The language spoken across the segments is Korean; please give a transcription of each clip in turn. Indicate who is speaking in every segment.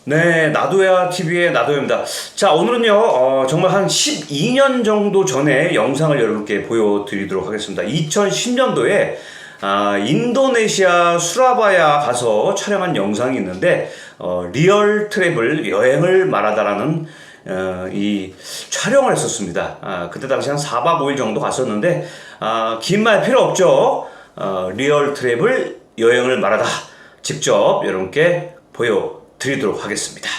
Speaker 1: 네, 나도야 TV의 나도야입니다. 자, 오늘은요, 정말 한 12년 정도 전에 영상을 여러분께 보여드리도록 하겠습니다. 2010년도에 인도네시아 수라바야 가서 촬영한 영상이 있는데, 리얼 트래블 여행을 말하다라는 이 촬영을 했었습니다. 그때 당시 한 4박 5일 정도 갔었는데, 긴 말 필요 없죠. 리얼 트래블 여행을 말하다 직접 여러분께 보여드리도록 하겠습니다.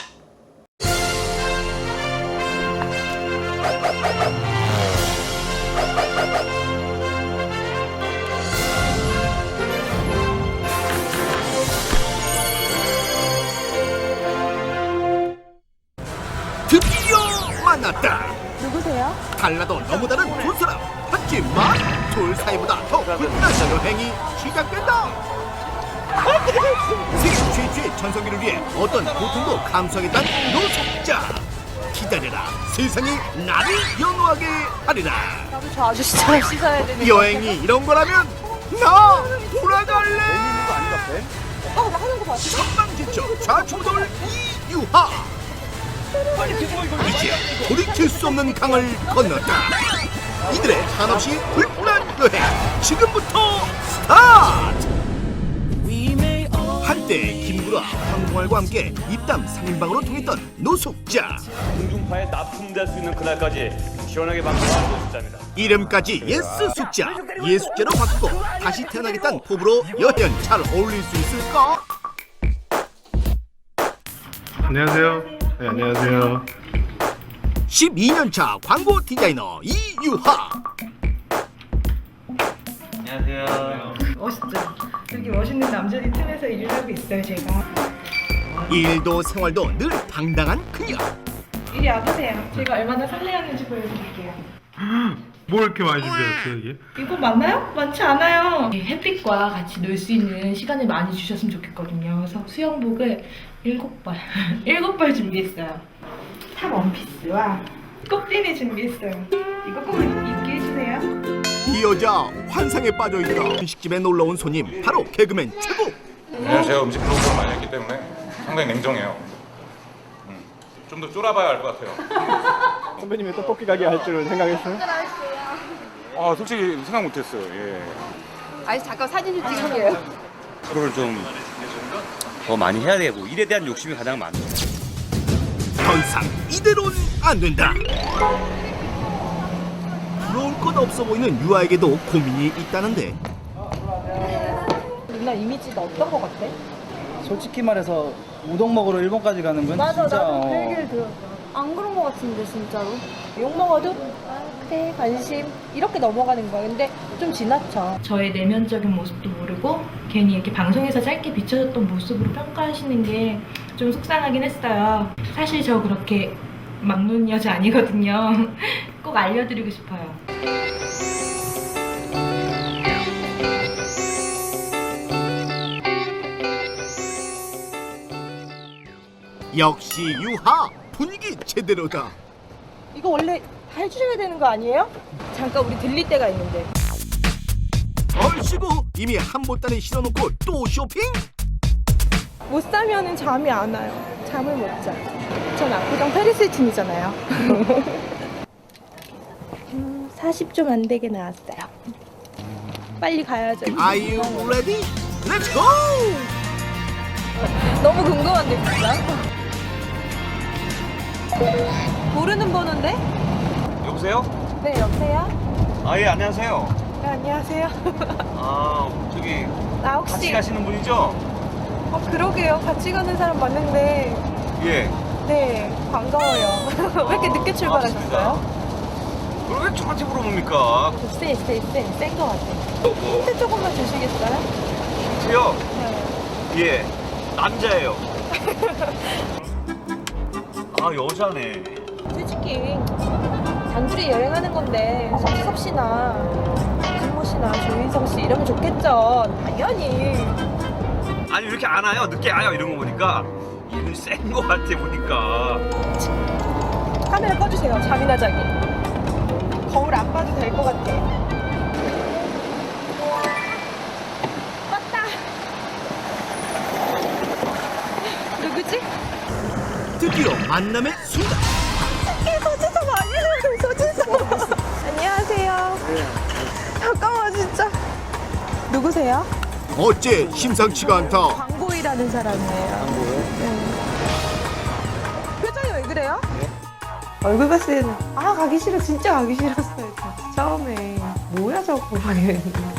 Speaker 2: 드디어 만났다.
Speaker 3: 누구세요?
Speaker 2: 달라도 너무 다른 두 사람. 하지만 둘 사이보다 더 불편한 여행이 시작된다. 세계 최초의 전성기를 위해 어떤 고통도 감수하겠다는 노숙자. 기다려라, 세상이 나를 연호하게 하리라.
Speaker 3: 나도 저 아저씨처럼 씻어야 되는
Speaker 2: 여행이 이런 거라면 나 돌아갈래.
Speaker 3: 나 하는 거 봤어?
Speaker 2: 천방지축 좌충돌 이유하. 이제 돌이킬 수 없는 강을 건넜다. 이들의 한없이 불편한 여행 지금부터 스타트. 한때 김구라, 황동알과 함께 입담 3인방으로 통했던 노숙자.
Speaker 4: 공중파에 납품될 수 있는 그날까지 시원하게 방송하는 노숙자입니다.
Speaker 2: 이름까지 예스 숙자, 예숙자로 바꾸고 다시 태어나겠다는 포부로 여행 잘 어울릴 수 있을까?
Speaker 5: 안녕하세요. 네, 안녕하세요.
Speaker 2: 12년차 광고 디자이너 이유하.
Speaker 4: 안녕하세요.
Speaker 6: 멋있죠? 여기 멋있는 남자들 틈에서 일을 하고 있어요, 제가.
Speaker 2: 일도 생활도 늘 당당한 그녀.
Speaker 6: 이리 와보세요. 제가 얼마나 설레었는지 보여드릴게요.
Speaker 5: 뭘 이렇게 많이 준비했어요, 이게?
Speaker 6: 이거 맞나요? 많지 않아요. 햇빛과 같이 놀 수 있는 시간을 많이 주셨으면 좋겠거든요. 그래서 수영복을 7벌, 7벌 준비했어요. 탑 원피스와 꼭지니 준비했어요. 이거 꼭 입게 해주세요.
Speaker 2: 이 여자 환상에 빠져있다. 음식집에 놀러온 손님 바로 개그맨 최고.
Speaker 7: 왜냐면 제가 음식 프로그램을 많이 했기 때문에 상당히 냉정해요. 좀 더 쫄아봐야 알 것 같아요.
Speaker 8: 선배님이 떡볶이 가게 할 줄은 생각했어요?
Speaker 7: 솔직히 생각 못했어요. 예.
Speaker 3: 아니 잠깐 사진 좀 찍을게요.
Speaker 1: 프로를 좀 더 많이 해야 되고, 일에 대한 욕심이 가장 많죠.
Speaker 2: 더 이상 이대로는 안 된다. 부러울 것 없어 보이는 유아에게도 고민이 있다는데.
Speaker 6: 누나 이미지가 어떤 거 같아?
Speaker 8: 솔직히 말해서 우동 먹으러 일본까지 가는 건
Speaker 3: 맞아,
Speaker 8: 진짜
Speaker 3: 나도 그 얘기를 들었어. 안 그런 거 같은데 진짜로. 욕 먹어도 그래 관심 이렇게 넘어가는 거야. 근데 좀 지나쳐.
Speaker 6: 저의 내면적인 모습도 모르고 괜히 이렇게 방송에서 짧게 비춰졌던 모습으로 평가하시는 게 좀 속상하긴 했어요. 사실 저 그렇게 막눈 여자 아니거든요. 꼭 알려드리고 싶어요.
Speaker 2: 역시 유하 분위기 제대로다.
Speaker 3: 이거 원래 해주셔야 되는 거 아니에요? 잠깐 우리 들릴 때가 있는데.
Speaker 2: 얼씨구 이미 한 보따리 실어놓고 또 쇼핑?
Speaker 3: 못 사면은 잠이 안 와요. 잠을 못 자. 전 압구정 페리스틴이잖아요. 40좀 안 되게 나왔어요. 빨리 가야죠.
Speaker 2: Are you ready? Let's go!
Speaker 3: 너무 궁금한데 진짜. 모르는 번호인데?
Speaker 1: 여보세요?
Speaker 3: 네 여보세요?
Speaker 1: 예, 안녕하세요.
Speaker 3: 네 안녕하세요.
Speaker 1: 저기,
Speaker 3: 나
Speaker 1: 같이
Speaker 3: 혹시
Speaker 1: 가시는 분이죠?
Speaker 3: 그러게요. 같이 가는 사람 맞는데
Speaker 1: 예.
Speaker 3: 네 반가워요. 왜 이렇게 늦게 출발하셨어요?
Speaker 1: 그걸 왜 저한테 물어봅니까?
Speaker 3: 센거 같아요. 힌트 조금만 주시겠어요?
Speaker 1: 힌트요?
Speaker 3: 네.
Speaker 1: 예. 남자예요. 여자네.
Speaker 3: 솔직히 단둘이 여행하는 건데 석섭 씨나 김모 씨나 조인성 씨 이러면 좋겠죠. 당연히.
Speaker 1: 아니, 왜 이렇게 안 와요? 늦게 와요? 이런 거 보니까. 이분 센 거 같아, 보니까.
Speaker 3: 카메라 꺼주세요. 잠이나 자기. 거울 안 봐도 될 것 같아. 맞다. 누구지?
Speaker 2: 드디어 만남의 순간.
Speaker 3: 소지섭 아니에요, 소지섭. 안녕하세요. 잠깐만, 진짜. 누구세요?
Speaker 2: 어째 심상치가 않다.
Speaker 3: 광고 일하는 사람이에요. 광고요? 네. 표정이 왜 그래요? 얼굴 봤을 때는 가기 싫어, 진짜 가기 싫었어요. 진짜. 처음에 뭐야 저거 막 이랬는데.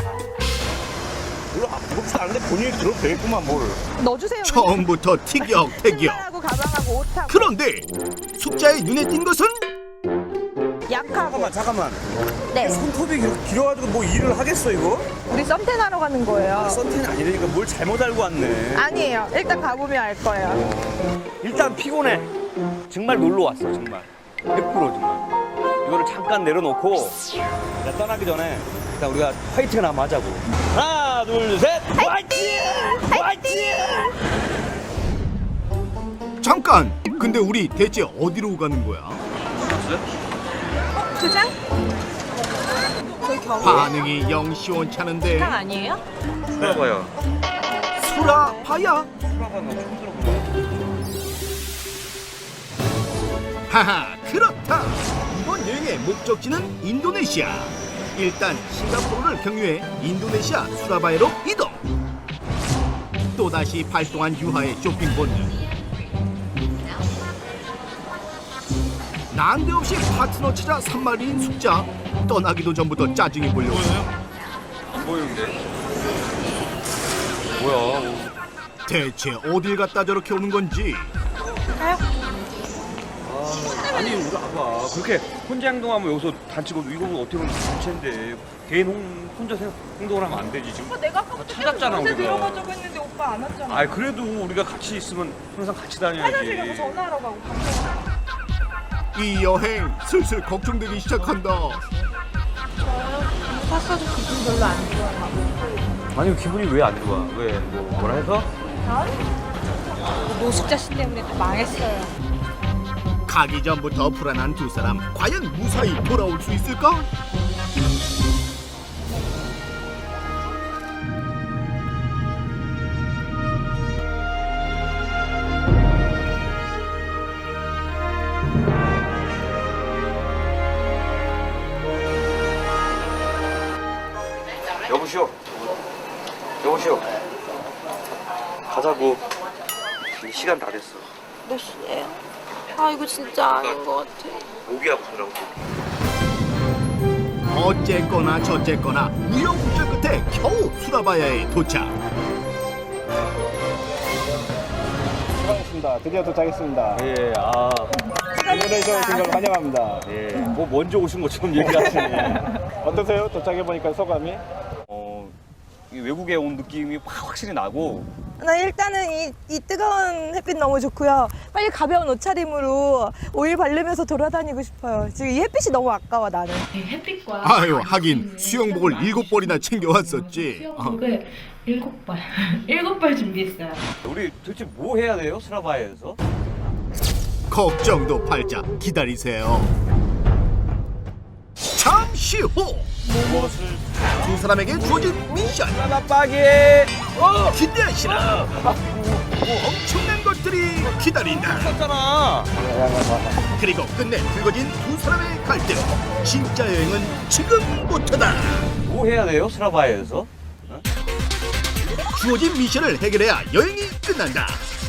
Speaker 1: 무겁지 않은데 본인이 들어도 되겠구만 뭘.
Speaker 3: 넣어주세요.
Speaker 2: 처음부터 티격태격.
Speaker 3: 신발하고 가방하고 옷하고
Speaker 2: 그런데 숙자의 눈에 띈 것은
Speaker 3: 약하고.
Speaker 1: 잠깐만.
Speaker 3: 네.
Speaker 1: 손톱이 길어가지고 뭐 일을 하겠어 이거?
Speaker 3: 우리 썸텐 하러 가는 거예요.
Speaker 1: 썬텐 아니라니까 뭘 잘못 알고 왔네.
Speaker 3: 아니에요. 일단 가보면 알 거예요.
Speaker 1: 일단 피곤해. 정말 놀러 왔어 정말. 100% 정말. 이거를 잠깐 내려놓고 나 떠나기 전에 일단 우리가 화이팅 한번 하자고. 하나 둘 셋. 화이팅! 화이팅!
Speaker 2: 잠깐. 근데 우리 대체 어디로 가는 거야?
Speaker 3: 주장? 저희 경우
Speaker 2: 반응이 영 시원찮은데.
Speaker 3: 주장 아니에요?
Speaker 1: 들어봐요.
Speaker 2: 수라바야? 하하, 그렇다. 이번 여행의 목적지는 인도네시아. 일단 싱가포르를 경유해 인도네시아 수라바야로 이동. 또다시 발동한 유하의 쇼핑 본능. 난데없이 파트너 찾아 산말인 숙자. 떠나기도 전부터 짜증이 몰려오네.
Speaker 1: 안 보이는데. 뭐야?
Speaker 2: 대체 어딜 갔다 저렇게 오는 건지.
Speaker 1: 아니 우리 아빠 그렇게 혼자 행동하면 여기서 단체고 이거 어떻게 보면 단체인데 개인 혼자 행동을 하면 안 되지 지금.
Speaker 3: 내가 아까
Speaker 1: 찾았잖아 우리가.
Speaker 3: 들어가자고 했는데 오빠 안 왔잖아.
Speaker 1: 아 그래도 우리가 같이 있으면 항상 같이 다녀야지.
Speaker 3: 화장실 가서 전화하러 가고 방송.
Speaker 2: 이 여행 슬슬 걱정되기 시작한다.
Speaker 3: 샀어도 기분 별로 안 좋아요.
Speaker 1: 아니 기분이 왜 안 좋아? 왜 뭐라 해서?
Speaker 3: 노숙자 씨 때문에 다 망했어요.
Speaker 2: 가기 전부터 불안한 두 사람 과연 무사히 돌아올 수 있을까?
Speaker 1: 여보시오. 여보시오. 가자고. 시간 다 됐어.
Speaker 3: 몇 시예요? 이거 진짜 아닌 것 같아.
Speaker 1: 모기하고 가라고.
Speaker 2: 어쨌거나 저쨌거나 우여곡절 끝에 겨우 수라바야에 도착.
Speaker 8: 수고하셨습니다. 드디어 도착했습니다.
Speaker 1: 예,
Speaker 8: 인도네시아 오신 걸 환영합니다.
Speaker 1: 예. 뭐 먼저 오신 것처럼 얘기하시네.
Speaker 8: 어떠세요? 도착해보니까 소감이?
Speaker 1: 이 외국에 온 느낌이 확실히 나고.
Speaker 3: 나 일단은 이 뜨거운 햇빛 너무 좋고요. 빨리 가벼운 옷차림으로 오일 바르면서 돌아다니고 싶어요. 지금 이 햇빛이 너무 아까워 나는.
Speaker 6: 햇빛과
Speaker 2: 아유,
Speaker 6: 같이
Speaker 2: 하긴
Speaker 6: 있는
Speaker 2: 수영복을
Speaker 6: 시간을
Speaker 2: 7벌이나
Speaker 6: 많이
Speaker 2: 챙겨왔었지.
Speaker 6: 수영복을 7벌 7벌 준비했어요.
Speaker 1: 우리 도대체 뭐 해야 돼요? 스라바에서?
Speaker 2: 걱정도 팔자 기다리세요. 잠시 후
Speaker 1: 무엇을?
Speaker 2: 두 사람에게 주어진 미션
Speaker 1: 빠빠기!
Speaker 2: 기대하시라. 엄청난 것들이 기다린다.
Speaker 1: 했잖아.
Speaker 2: 그리고 끝내 불거진 두 사람의 갈등. 진짜 여행은 지금부터다.
Speaker 1: 뭐 해야 돼요? 스라바에서?
Speaker 2: 주어진 미션을 해결해야 여행이 끝난다.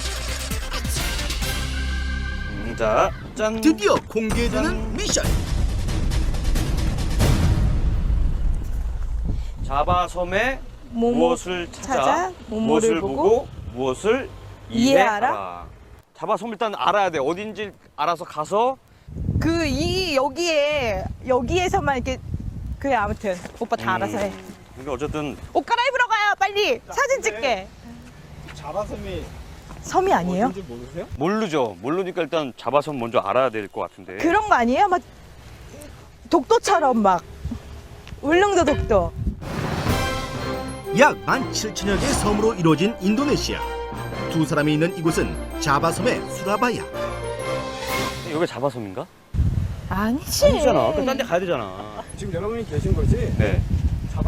Speaker 1: 자, 짠.
Speaker 2: 드디어 공개되는 미션.
Speaker 1: 자바섬에 무엇을 찾아,
Speaker 3: 무엇을 보고,
Speaker 1: 무엇을
Speaker 3: 이해하라?
Speaker 1: 이해하라. 자바섬 일단 알아야 돼. 어딘지 알아서 가서.
Speaker 3: 여기에서만 이렇게 그래 아무튼 오빠 다 알아서 해.
Speaker 1: 근데 어쨌든
Speaker 3: 옷 갈아입으러 가요 빨리 사진 찍게.
Speaker 8: 자바섬이
Speaker 3: 섬이 아니에요?
Speaker 8: 어딘지 모르세요?
Speaker 1: 모르죠. 모르니까 일단 자바섬 먼저 알아야 될 것 같은데.
Speaker 3: 그런 거 아니에요? 막 독도처럼 막 울릉도 독도.
Speaker 2: 약 17,000여 개의 섬으로 이루어진 인도네시아. 두 사람이 있는 이곳은 자바섬의 수라바야.
Speaker 1: 여기 자바섬인가?
Speaker 3: 아니지.
Speaker 1: 아니잖아. 그럼 딴 데 가야 되잖아.
Speaker 8: 지금 여러분이 계신 곳이
Speaker 1: 네.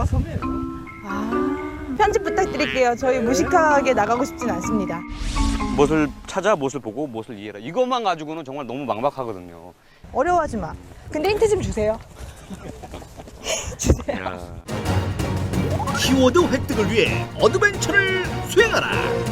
Speaker 8: 자바섬이에요.
Speaker 3: 편집 부탁드릴게요. 저희 무식하게 나가고 싶진 않습니다.
Speaker 1: 무엇을 찾아, 무엇을 보고, 무엇을 이해해라. 이것만 가지고는 정말 너무 막막하거든요.
Speaker 3: 어려워하지 마. 근데 힌트 좀 주세요. 주세요.
Speaker 1: 야.
Speaker 2: 키워드 획득을 위해 어드벤처를 수행하라.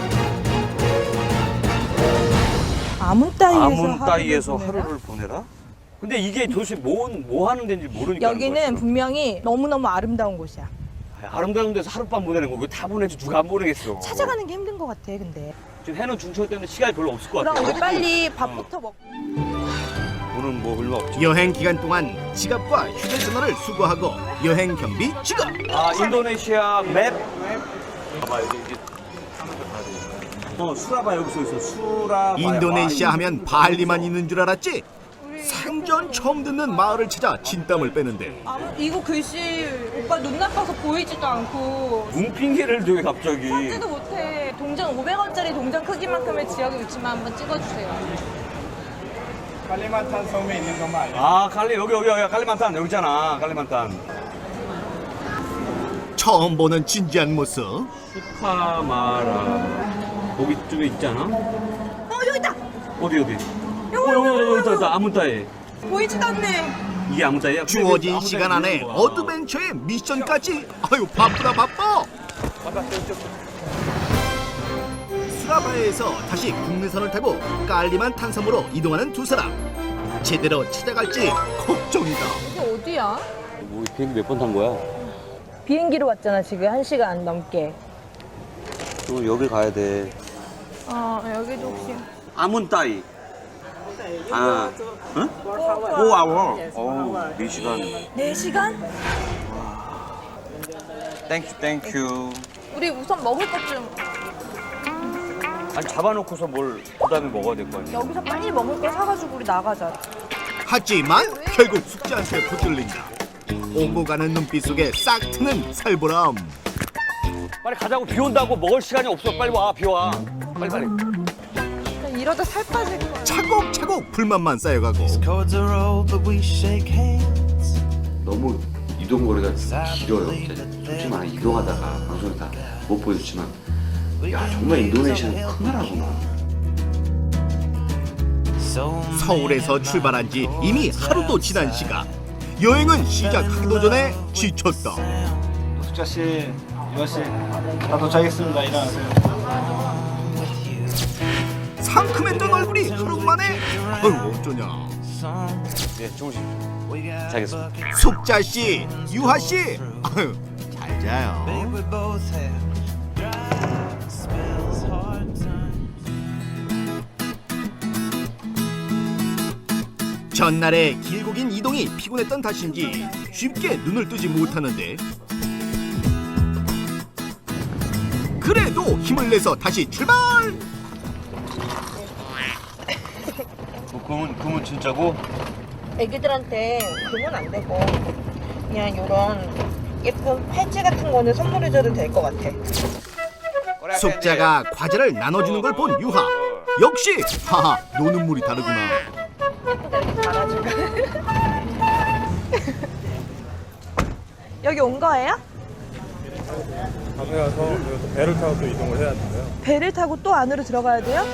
Speaker 3: 아문 따위에서,
Speaker 1: 아문 따위에서
Speaker 3: 하루를 보내라?
Speaker 1: 하루를 보내라? 근데 이게 도대체 뭐 하는 데인지 모르니까.
Speaker 3: 여기는 분명히 너무너무 아름다운 곳이야.
Speaker 1: 아름다운 데서 하룻밤 보내는 거 왜 다 보내지 누가 안 보내겠어.
Speaker 3: 찾아가는 게 힘든 것 같아, 근데.
Speaker 1: 지금 해는 중철 때문에 시간이 별로 없을 것
Speaker 3: 그럼
Speaker 1: 같아요.
Speaker 3: 우리 빨리 밥부터 먹고.
Speaker 1: 오늘 뭐 얼마 없지.
Speaker 2: 여행 기간 동안 지갑과 휴대전화를 수거하고 여행 경비 지급.
Speaker 1: 아, 인도네시아 맵. 봐봐, 여기 수라바 여기 써 있어. 수라바.
Speaker 2: 인도네시아 하면 발리만 있는 줄 알았지? 생전 처음 듣는 마을을 찾아 진땀을 빼는데
Speaker 3: 이거 글씨 오빠 눈 나빠서 보이지도 않고
Speaker 1: 눈핑계를 되게 갑자기.
Speaker 3: 찾지도 못해. 동전 500원짜리 동전 크기만큼의 지역의 위치만 한번 찍어주세요.
Speaker 8: 칼리만탄 섬에 있는 것만 알려.
Speaker 1: 아, 여기 칼리만탄 여기 있잖아. 칼리만탄.
Speaker 2: 처음 보는 진지한 모습.
Speaker 1: 수카마라. 거기 쪽에 있잖아.
Speaker 3: 여기 있다.
Speaker 1: 어디? 여기 있다. 아문따에.
Speaker 3: 보이지도 않네.
Speaker 1: 이게 아문따에야?
Speaker 2: 주어진 시간 안에 어드벤처의 미션까지. 아유 바쁘다 바빠. 수라바에에서 다시 국내선을 타고 깔리만 섬으로 이동하는 두 사람. 제대로 찾아갈지 걱정이다.
Speaker 3: 이게 어디야?
Speaker 1: 우리 비행기 몇 번 탄 거야?
Speaker 3: 비행기로 왔잖아, 지금 1시간 넘게.
Speaker 1: 그럼 여길 가야 돼.
Speaker 3: 여기도 혹시.
Speaker 1: 아문따이. 아, 응? 5아워. 어우, 4시간.
Speaker 3: 4시간?
Speaker 1: 땡큐.
Speaker 3: 우리 우선 먹을 것 좀.
Speaker 1: 아니, 잡아놓고서 뭘 그다음에 먹어야 될 거 아니야?
Speaker 3: 여기서 빨리 먹을 거 사가지고 우리 나가자.
Speaker 2: 하지만 결국 숙제한테 붙들린다. 오고 가는 눈빛 속에 싹 트는 살보람.
Speaker 1: 빨리 가자고. 비 온다고. 먹을 시간이 없어. 빨리 와. 비 와. 빨리.
Speaker 3: 이러다 살 빠질 거야.
Speaker 2: 차곡차곡 불만만 쌓여가고
Speaker 9: 너무 이동 거리가 길어요. 솔직히 말해 이동하다가 방송에 다 못 보여줬지만 야 정말 인도네시아는 큰 나라구나.
Speaker 2: 서울에서 출발한 지 이미 하루도 지난 시간. 여행은 시작하기도 전에 지쳤다.
Speaker 8: 숙자 씨, 유아 씨, 다 도착했습니다. 일어나세요.
Speaker 2: 상큼했던 얼굴이 하루 만에 아유 어쩌냐.
Speaker 1: 네, 주무십시오. 자겠습니다.
Speaker 2: 숙자씨, 유하씨 아유 잘 자요. 전날의 길고 긴 이동이 피곤했던 탓인지 쉽게 눈을 뜨지 못하는데 그래도 힘을 내서 다시 출발!
Speaker 1: 그러면 진짜고?
Speaker 3: 애기들한테 그건 안 되고 그냥 이런 예쁜 팔찌 같은 거는 선물해줘도 될 것 같아.
Speaker 2: 숙자가 과자를 나눠주는 걸 본 유하. 역시 하하 노는 물이 다르구나.
Speaker 3: 예쁘다 이렇게 잘하지고. 여기 온 거예요?
Speaker 5: 밤에 가서 여기서 배를 타고 또 이동을 해야 돼요.
Speaker 3: 배를 타고 또 안으로 들어가야 돼요?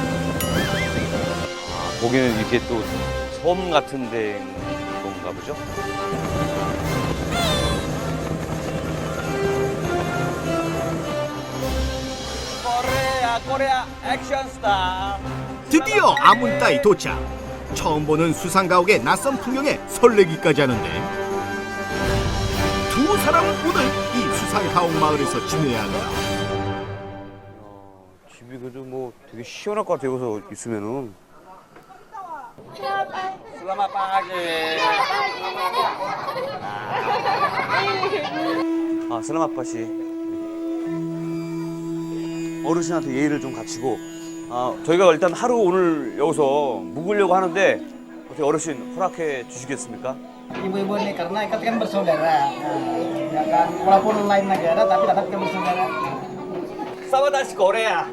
Speaker 1: 거기는 이렇게 또 섬 같은 데인 건가 보죠? 코리아 액션 스타.
Speaker 2: 드디어 아문따이 도착. 처음 보는 수상가옥의 낯선 풍경에 설레기까지 하는데 두 사람은 오늘 이 수상가옥 마을에서 지내야 한다.
Speaker 1: 집이 그래도 뭐 되게 시원할 것 같아. 여기서 있으면은. 슬라마 빠지. 아, 슬라마 빠시. 어르신한테 예의를 좀 갖추고. 저희가 일단 하루 오늘 여기서 묵으려고 하는데 어떻게 어르신 허락해 주시겠습니까?
Speaker 8: Ibu-ibu ini karena kita kan bersaudara, ya kan. Walaupun lain negara tapi tetap kita bersaudara.
Speaker 1: 사바다시 거래야.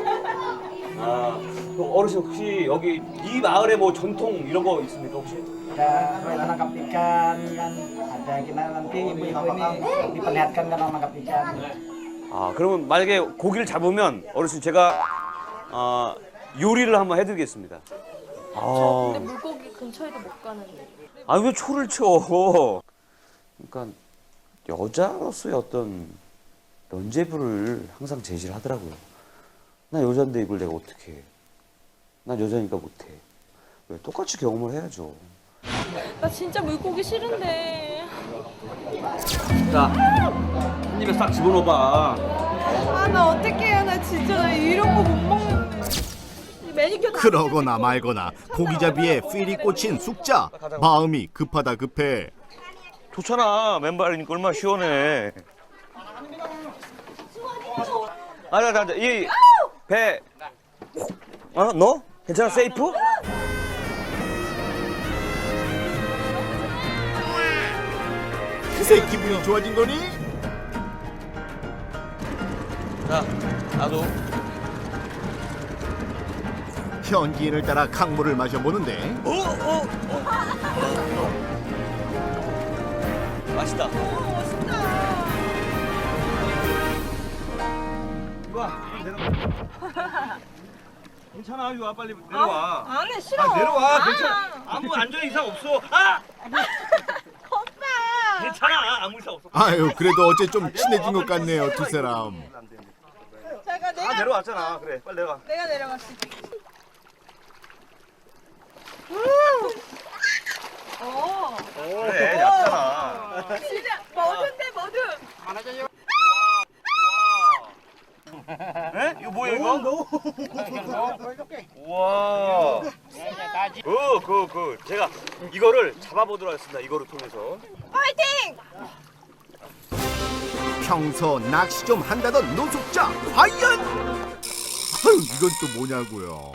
Speaker 1: 어르신 혹시 여기 이 마을에 뭐 전통 이런 거 있습니까 혹시?
Speaker 8: Ada permainan nangkap ikan kan, ada kita nanti ibu-ibu ini diperlihatkan cara nangkap ikan.
Speaker 1: 그러면 만약에 고기를 잡으면 어르신 제가 요리를 한번 해드리겠습니다.
Speaker 6: 근데 물고기 근처에도 못 가는데.
Speaker 1: 왜 초를 쳐? 그러니까 여자로서의 어떤 면죄부를 항상 제시를 하더라고요. 나 여잔데 이걸 내가 어떻게 해? 난 여자니까 못해. 왜 똑같이 경험을 해야죠.
Speaker 6: 나 진짜 물고기 싫은데.
Speaker 1: 자, 한 입에 싹 집어넣어봐.
Speaker 6: 나 어떡해요. 나 진짜 나 이런 거 못 먹는. 매니큐어 다
Speaker 2: 그러거나 말거나 고기잡이에 필이 꽂힌 숙자. 마음이 급하다 급해.
Speaker 1: 좋잖아. 맨발이니까 얼마나 시원해. 이 배. 너? 괜찮아? 세이프?
Speaker 2: 그새 기분이 좋아진 거니?
Speaker 1: 자, 나도.
Speaker 2: 현지인을 따라 강물을 마셔보는데
Speaker 1: 맛있다. 유아, 내려와. 괜찮아, 유아, 빨리 내려와.
Speaker 6: 안 해, 싫어.
Speaker 1: 내려와, 괜찮아. 아무 안전 이상 없어.
Speaker 6: 오빠.
Speaker 1: 괜찮아, 아무 이상 없어.
Speaker 2: 아유 그래도 어째 좀 친해진 것 같네요 두 사람.
Speaker 6: 잠깐 내가
Speaker 1: 내려왔잖아. 그래, 빨리 내려가.
Speaker 6: 내가 내려갔어.
Speaker 1: 그래, 얕잖아.
Speaker 6: 진짜 뭐든데 뭐든.
Speaker 1: 에? 이거 뭐야, 이거? 우와. 제가 이거를 잡아보도록 하겠습니다. 이거를 통해서.
Speaker 6: 파이팅!
Speaker 2: 평소 낚시 좀 한다던 노숙자 과연? 아유 이건 또 뭐냐고요.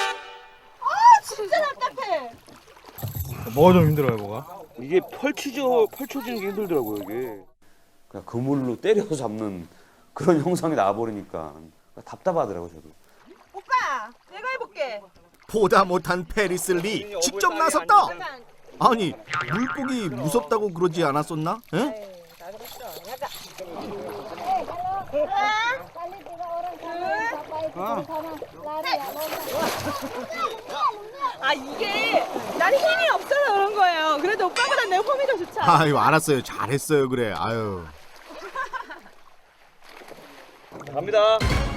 Speaker 6: 진짜 답답해.
Speaker 5: 뭐가 좀 힘들어요, 뭐가?
Speaker 1: 이게 펼쳐지는 게 힘들더라고요, 이게. 그냥 그물로 때려서 잡는 그런 형상이 나와버리니까 답답하더라고요, 저도.
Speaker 6: 오빠, 내가 해볼게.
Speaker 2: 보다 못한 페리스 리 직접 나섰다. 아니 물고기 무섭다고 그러지 않았었나? 에?
Speaker 6: 이게 난 힘이 없어서 그런 거예요. 그래도 오빠보다 내 폼이 더 좋잖아.
Speaker 2: 아유 알았어요 잘했어요 그래. 아유
Speaker 1: 갑니다.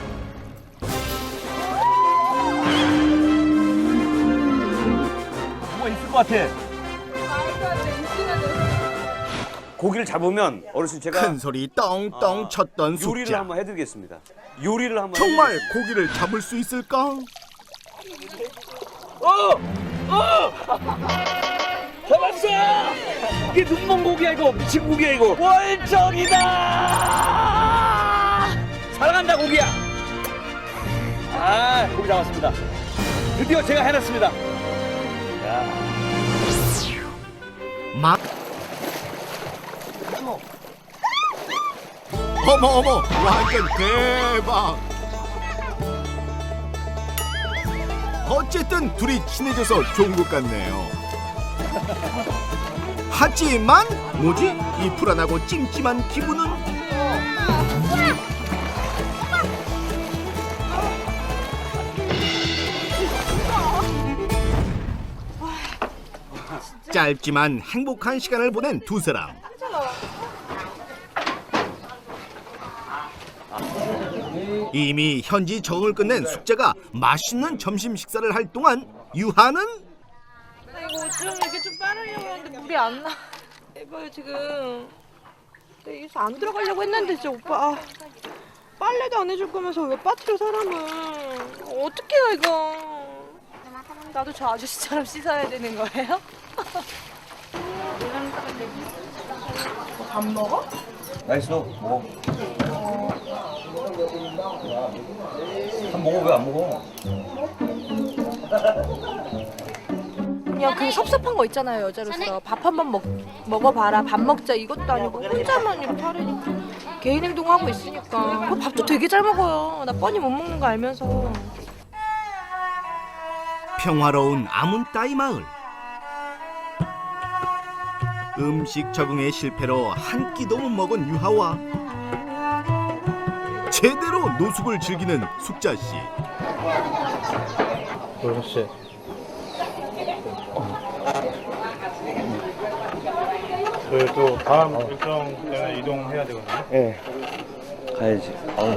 Speaker 1: 뭐가 있을 것 같아. 고기를 잡으면 어르신 제가
Speaker 2: 큰 소리 떵떵 쳤던
Speaker 1: 요리를
Speaker 2: 숙자.
Speaker 1: 한번 해드리겠습니다. 요리를 한번
Speaker 2: 정말 고기를 잡을 수 있을까?
Speaker 1: 잡았어! 이게 눈먼 고기야 이거. 미친 고기야 이거. 월정이다. 사랑한다 고기야. 고기 잡았습니다. 드디어 제가 해냈습니다.
Speaker 2: 막 어머 완전 대박. 어쨌든 둘이 친해져서 좋은 것 같네요. 하지만 뭐지? 이 불안하고 찜찜한 기분은? 짧지만 행복한 시간을 보낸 두 사람. 이미 현지 적응을 끝낸 숙자가 맛있는 점심 식사를 할 동안 유하는
Speaker 6: 이거 좀 이렇게 좀 빠르려고 했는데 물이 안 나. 이거요 지금. 여기서 안 들어가려고 했는데 진짜 오빠. 빨래도 안 해줄 거면서 왜 빠뜨려 사람을. 어떡해요 이거. 나도 저 아저씨처럼 씻어야 되는 거예요? 밥 먹어?
Speaker 1: 맛있어. 먹어. 한 먹어. 왜 안 먹어?
Speaker 6: 그냥 그 섭섭한 거 있잖아요 여자로서. 밥 한 번 먹어봐라. 밥 먹자 이것도 아니고 혼자만 이렇게 하려니까. 개인 행동하고 있으니까. 그 밥도 되게 잘 먹어요. 나 뻔히 못 먹는 거 알면서.
Speaker 2: 평화로운 아문따이 마을. 음식 적응의 실패로 한 끼도 못 먹은 유하와 제대로 노숙을 즐기는 숙자 씨.
Speaker 5: 그렇지. 저희 또 다음 일정 때문에 이동해야 되거든요.
Speaker 1: 예. 가야지.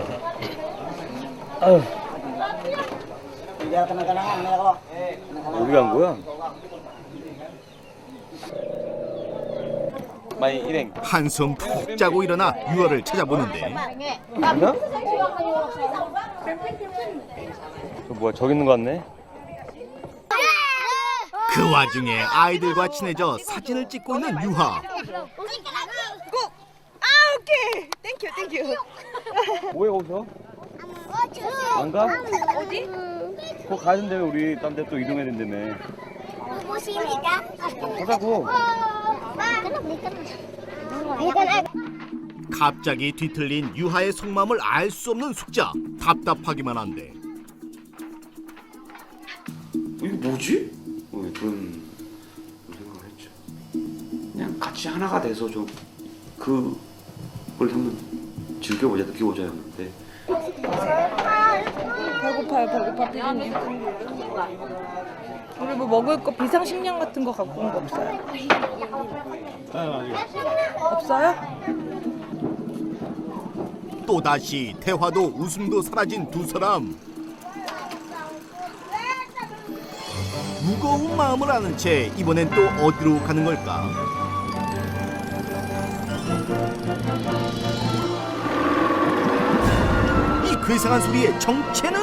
Speaker 1: 어디 간 거야? 많이 일행.
Speaker 2: 한숨 푹 자고 일어나 유아를 찾아보는데
Speaker 1: 저 뭐야 저기 있는 거 같네?
Speaker 2: 그 와중에 아이들과 친해져 사진을 찍고 있는 유아.
Speaker 3: 오케이. 땡큐.
Speaker 1: 뭐해 거기서? 안 가? 어디? 그거 가야 된다며 우리 딴 데 또 이동해야 된다며. 가자고.
Speaker 2: 갑자기 뒤틀린 유하의 속마음을 알 수 없는 숙자. 답답하기만 한데
Speaker 9: 이게 뭐지? 그런 생각을 했죠. 그냥 같이 하나가 돼서 좀 그걸 한번 즐겨보자, 느껴보자였는데
Speaker 3: 배고파 피디님. 우리 뭐 먹을 거 비상식량 같은 거 갖고 온 거 없어요? 없어요?
Speaker 2: 또다시 대화도 웃음도 사라진 두 사람. 무거운 마음을 아는 채 이번엔 또 어디로 가는 걸까? 이 괴상한 소리의 정체는?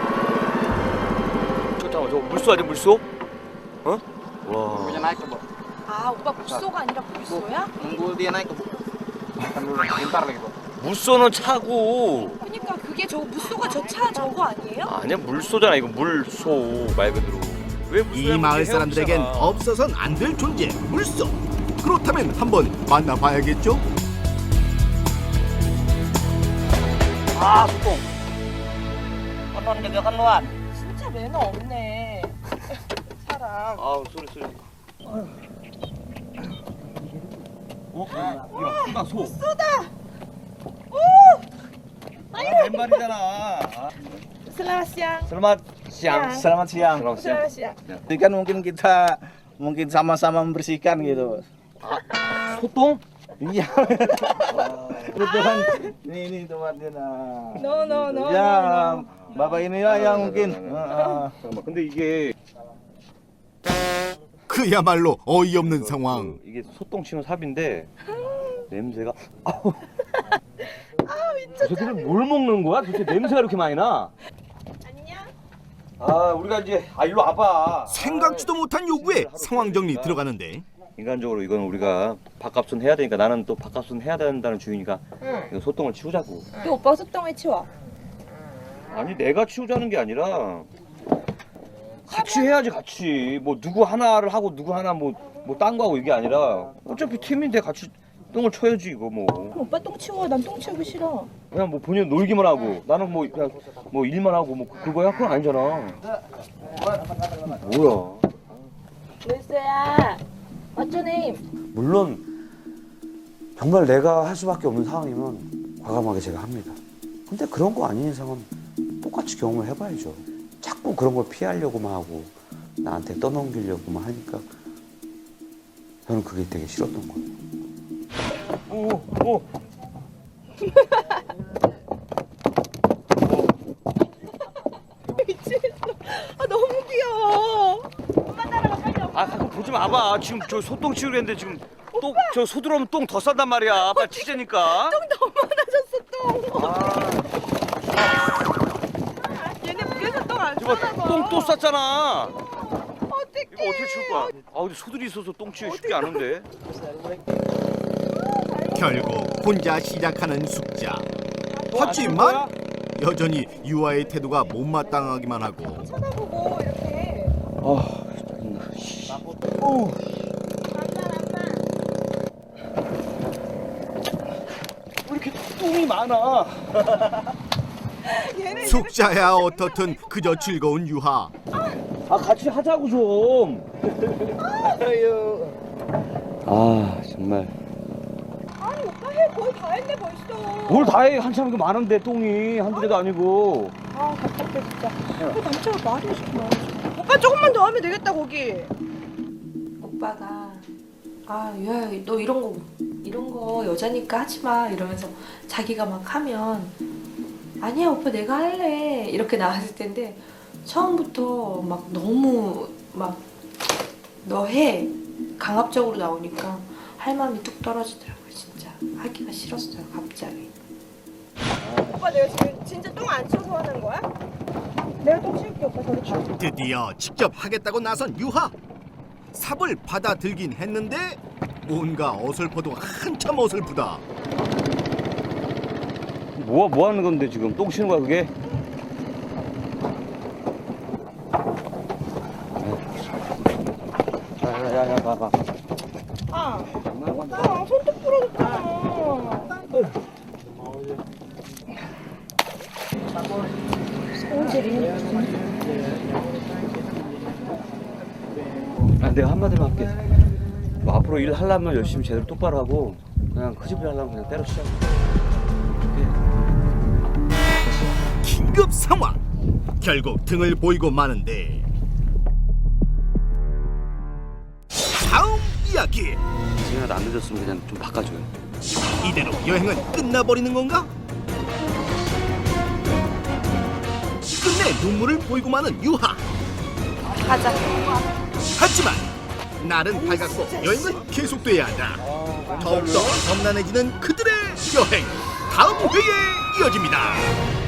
Speaker 1: 잠깐만 저 물소 아니야 물소? 어? 와.
Speaker 8: Punya naik ke, Bu.
Speaker 3: 아 오빠 물소가 아니라 물소야?
Speaker 8: Nunggu dia naik ke, Bu. Kan dulu bentar lagi, Bu.
Speaker 1: 물소는 차고.
Speaker 3: 그러니까 그게 저 물소가 저 차 저거 아니에요?
Speaker 1: 아니야 물소잖아 이거 물소 말 그대로. 왜 물소야?
Speaker 2: 이 마을
Speaker 1: 물소
Speaker 2: 사람들에겐
Speaker 1: 헤엄치잖아.
Speaker 2: 없어선 안 될 존재 물소. 그렇다면 한번 만나봐야겠죠?
Speaker 8: Ah, Sukung. Konon jaga kan luan.
Speaker 3: 진짜 매너 없네. 사람.
Speaker 1: 아우 소리. 야, 소.
Speaker 8: 왼발이잖아.
Speaker 3: Selamat siang.
Speaker 1: Selamat siang.
Speaker 8: Selamat siang.
Speaker 3: Selamat siang.
Speaker 8: Jadi kan mungkin sama-sama membersihkan gitu.
Speaker 1: 소똥?
Speaker 8: Iya. Kebetulan ini tempatnya. Nah.
Speaker 3: No.
Speaker 8: Ya, Bapak inilah yang mungkin.
Speaker 1: 잠깐만. 근데 이게
Speaker 2: 그야말로 어이없는 상황.
Speaker 1: 이게 소똥 치는 삽인데 냄새가 아우. 저 새끼들 뭘 먹는 거야? 도대체 냄새가 이렇게 많이 나?
Speaker 3: 안녕.
Speaker 1: 아 우리가 이제 일로 와봐.
Speaker 2: 생각지도 못한 요구에 상황 정리 들어가는데
Speaker 1: 인간적으로 이건 우리가 밥값은 해야 되니까 나는 또 밥값은 해야 된다는 주의니까 이거 소똥을 치우자고.
Speaker 3: 왜 오빠가 소똥을 치워?
Speaker 1: 아니 내가 치우자는 게 아니라 같이 해야지 같이. 뭐 누구 하나를 하고 누구 하나 뭐 딴 거 하고 이게 아니라 어차피 팀인데 같이 똥을 쳐야지 이거 뭐.
Speaker 3: 오빠 똥 치워. 난 똥 치우기 싫어.
Speaker 1: 그냥 뭐 본인 놀기만 하고 나는 뭐 그냥 뭐 일만 하고 뭐 그거야? 그건 아니잖아. 뭐야?
Speaker 3: 루이스야. What's your name?
Speaker 9: 물론 정말 내가 할 수밖에 없는 상황이면 과감하게 제가 합니다. 근데 그런 거 아닌 이상은 똑같이 경험을 해봐야죠. 자꾸 그런 걸 피하려고만 하고 나한테 떠넘기려고만 하니까 저는 그게 되게 싫었던 거예요.
Speaker 1: 오.
Speaker 3: 아 너무 귀여워.
Speaker 1: 아 가끔 보지 마봐. 지금 저 소똥 치우려 했는데 지금 똥 저 소 들어오면 똥 더 싼단 말이야. 빨리 치자니까.
Speaker 3: 똥 너무 많아졌어 똥. 얘네 물에서 똥 안
Speaker 1: 이거
Speaker 3: 싸나 봐.
Speaker 1: 똥 또 쌌잖아.
Speaker 3: 어떡해.
Speaker 1: 이거 어떻게 치울 거야? 아 근데 소들이 있어서 똥 치우기 쉽지 않은데.
Speaker 2: 결국 혼자 시작하는 숙자. 하지만 여전히 유아의 태도가 못마땅하기만 하고
Speaker 3: 쳐다보고 이렇게.
Speaker 1: 아 왜 이렇게 똥이 많아?
Speaker 2: 숙자야 어떻든 그저 즐거운 유하.
Speaker 1: 아 같이 하자고 좀. 아 정말.
Speaker 3: 아니 오빠 해 거의 다 했어. 했네 벌써.
Speaker 9: 뭘 다 해? 한참 이거 많은데 똥이 한두 개도 아니고.
Speaker 3: 아 답답해 진짜. 남자가 말이 시키면. 오빠 조금만 더 하면 되겠다 거기. 오빠가 야 너 이런 거 여자니까 하지 마 이러면서 자기가 막 하면 아니야 오빠 내가 할래 이렇게 나왔을 텐데 처음부터 막 너무 막 너 해 강압적으로 나오니까 할 마음이 뚝 떨어지더라고요. 진짜 하기가 싫었어요 갑자기. 오빠 내가 지금 진짜 똥 안 치워서 하는 거야? 내가 똥 치울게 오빠 저리 가.
Speaker 2: 드디어 직접 하겠다고 나선 유하. 삽을 받아들긴 했는데 뭔가 어설퍼도 한참 어설프다.
Speaker 9: 뭐 하는 건데 지금 똥 치는 거야 그게? 야야야 봐봐.
Speaker 3: 손톱 부러졌잖아.
Speaker 9: 내가 한마디만 할게. 뭐 앞으로 일 하려면 열심히 제대로 똑바로 하고 그냥 그 집을 하려면 그냥 때려치자.
Speaker 2: 긴급 상황. 결국 등을 보이고 마는데 다음 이야기.
Speaker 9: 지금이라도 안 늦었으면 그냥 좀 바꿔줘요.
Speaker 2: 이대로 여행은 끝나버리는 건가? 끝내 눈물을 보이고 마는 유하.
Speaker 3: 가자.
Speaker 2: 하지만 날은 밝았고 여행은 계속돼야 한다. 더욱더 험난해지는 그들의 여행. 다음 회에 이어집니다.